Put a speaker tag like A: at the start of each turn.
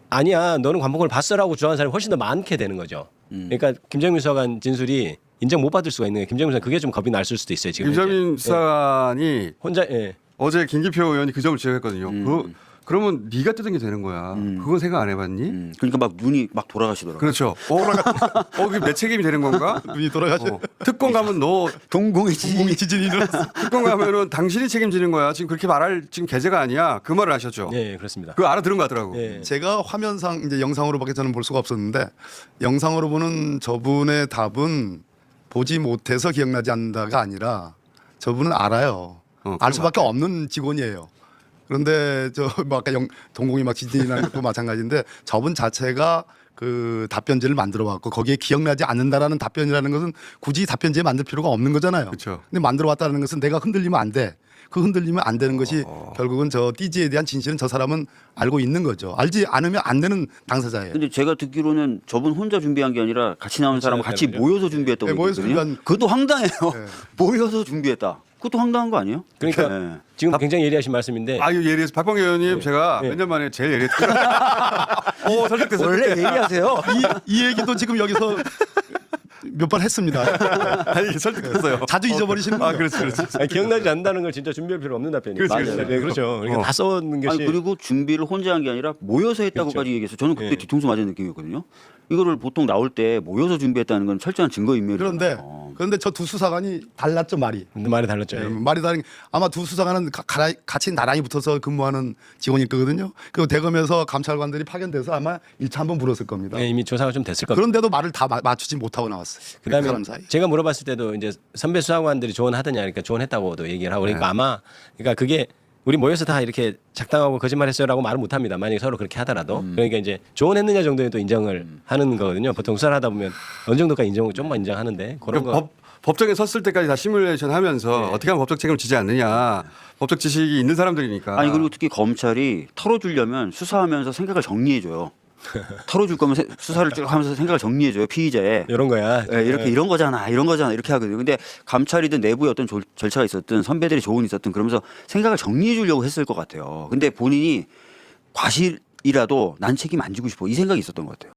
A: 아니야 너는 관복을 봤어라고 주장하는 사람이 훨씬 더 많게 되는 거죠. 그러니까 김정민 수사관 진술이 인정 못 받을 수가 있는 거예요. 김정민 수사 그게 좀 겁이 날 수도 있어요. 지금
B: 김정민
A: 이제.
B: 수사관이
A: 혼자
B: 어제 김기표 의원이 그 점을 지적했거든요. 그러면 네가 뜯은 게 되는 거야. 그건 생각 안 해봤니?
C: 그러니까 막 눈이 막 돌아가시더라고요.
B: 그렇죠. 그게 내 책임이 되는 건가?
D: 눈이 돌아가죠.
B: 특검 가면 너
C: 동공의
D: 지진이 일어났어.
B: 특검 가면은 당신이 책임지는 거야. 지금 그렇게 말할 지금 계제가 아니야. 그 말을 하셨죠.
A: 네 그렇습니다.
B: 그거 알아들은 거 같더라고.
A: 예.
D: 제가 화면상 이제 영상으로밖에 저는 볼 수가 없었는데 영상으로 보는 저분의 답은 보지 못해서 기억나지 않는다가 아니라 저분은 알아요. 알 수밖에 없는 직원이에요. 그런데 뭐 아까 동공이 막 지진이 나는 것도 마찬가지인데 저분 자체가 그 답변지를 만들어 왔고 거기에 기억나지 않는다라는 답변이라는 것은 굳이 답변지에 만들 필요가 없는 거잖아요.
B: 그렇죠.
D: 근데 만들어 왔다는 것은 내가 흔들리면 안 돼. 그 흔들리면 안 되는 것이 결국은 저 띠지에 대한 진실은 저 사람은 알고 있는 거죠. 알지 않으면 안 되는 당사자예요.
C: 근데 제가 듣기로는 저분 혼자 준비한 게 아니라 같이 나온 사람 같이 모여서 준비했다고
D: 네, 모여서
C: 얘기했거든요.
D: 준비한-
C: 그것도 황당해요.
D: 네.
C: 모여서 준비했다. 그것도 황당한 거 아니에요?
A: 그러니까
C: 네.
A: 지금 굉장히 예리하신 말씀인데
B: 아, 이거 예리해서 박광계 의원님 제가 몇 년 만에 제일 예리했어요. 오, 설득됐어.
C: 원래 얘기하세요.
D: 이 얘기도 지금 여기서 몇 번 했습니다.
B: 아니, 설득됐어요.
D: 자주 잊어버리시는 거예요.
B: 아, 그렇지, 그렇지.
A: 아니, 기억나지 않는다는 걸 진짜 준비할 필요 없는 답변이에요.
B: 그렇지,
C: 그렇지.
A: 네, 그렇죠. 그러니까 다 써놓는 것이
C: 아니 그리고 준비를 혼자 한 게 아니라 모여서 했다고까지 얘기해서 저는 그때
A: 예.
C: 뒤통수 맞은 느낌이었거든요. 이거를 보통 나올 때 모여서 준비했다는 건 철저한 증거인멸이에요.
D: 그런데 저 두 수사관이 달랐죠 말이.
A: 말이 달랐죠. 예.
D: 말이 다른 게 아마 두 수사관은 같이 나란히 붙어서 근무하는 직원일 거거든요. 그리고 대검에서 감찰관들이 파견돼서 아마 1차 한번 물었을 겁니다.
A: 네, 이미 조사가 좀 됐을 겁니다.
D: 그런데도 말을 다 맞추지 못하고 나왔어요. 그
A: 그다음에
D: 사람 사이.
A: 제가 물어봤을 때도 이제 선배 수사관들이 조언하더냐, 그러니까 조언했다고도 얘기를 하고, 그러니까 아마 그러니까 그게 우리 모여서 다 이렇게 작당하고 거짓말했어요라고 말을 못합니다. 만약에 서로 그렇게 하더라도 그러니까 이제 조언했느냐 정도는 또 인정을 하는 거거든요. 보통 수사를 하다 보면 어느 정도까지 인정을 좀만 인정하는데 그런
B: 그러니까
A: 거.
B: 법정에 섰을 때까지 다 시뮬레이션 하면서 어떻게 하면 법적 책임을 지지 않느냐. 법적 지식이 있는 사람들이니까.
C: 아니 그리고 특히 검찰이 털어주려면 수사하면서 생각을 정리해줘요. 털어줄 거면 수사를 쭉 하면서 생각을 정리해줘요. 피의자의.
A: 이런 거야.
C: 예, 이렇게 이런 거잖아 이렇게 하거든요. 근데 감찰이든 내부에 어떤 절차가 있었든 선배들이 조언이 있었든 그러면서 생각을 정리해 주려고 했을 것 같아요. 근데 본인이 과실이라도 난 책임 안 지고 싶어 이 생각이 있었던 것 같아요.